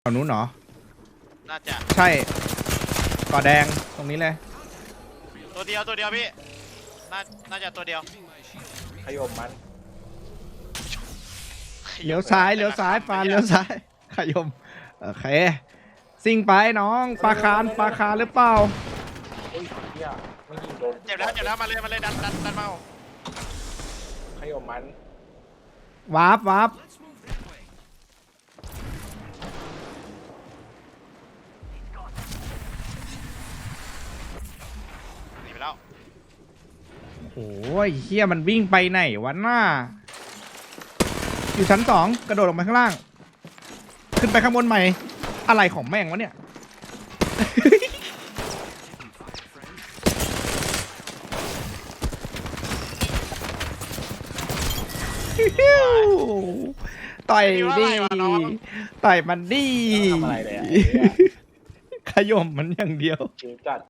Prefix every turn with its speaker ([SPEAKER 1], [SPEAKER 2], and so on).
[SPEAKER 1] ฝั่งนู้นเหรอ
[SPEAKER 2] น่าจะ
[SPEAKER 1] ใช่ก่อแดงตรงนี้เลย
[SPEAKER 2] ตัวเดียวพี่น่าจะตัวเดียว
[SPEAKER 3] ขยมมัน
[SPEAKER 1] เลี้ยวซ้ายฟานเลี้ยวซ้ายขยมโอเคซิ่งไปน้องปลาคาร์หรือเปล่า
[SPEAKER 3] โอ้ยเหี้ยไม่ยิงโดน
[SPEAKER 2] เจ็บแล้วมาเลยดันมา
[SPEAKER 3] ขยมมัน
[SPEAKER 1] วาร์ป
[SPEAKER 2] หนีไปแล้ว
[SPEAKER 1] โอ้ยเฮียมันวิ่งไปไหนวะหน้าอยู่ชั้น2กระโดดลงไปข้างล่าง ขึ้นไปข้างบนใหม่อะไรของแม่งวะเนี่ย ต่อยดิต่อยมันดิ
[SPEAKER 3] ทำอะไรเลยอ่ะ
[SPEAKER 1] ขยมมันอย่างเดียว
[SPEAKER 3] ชิวจัด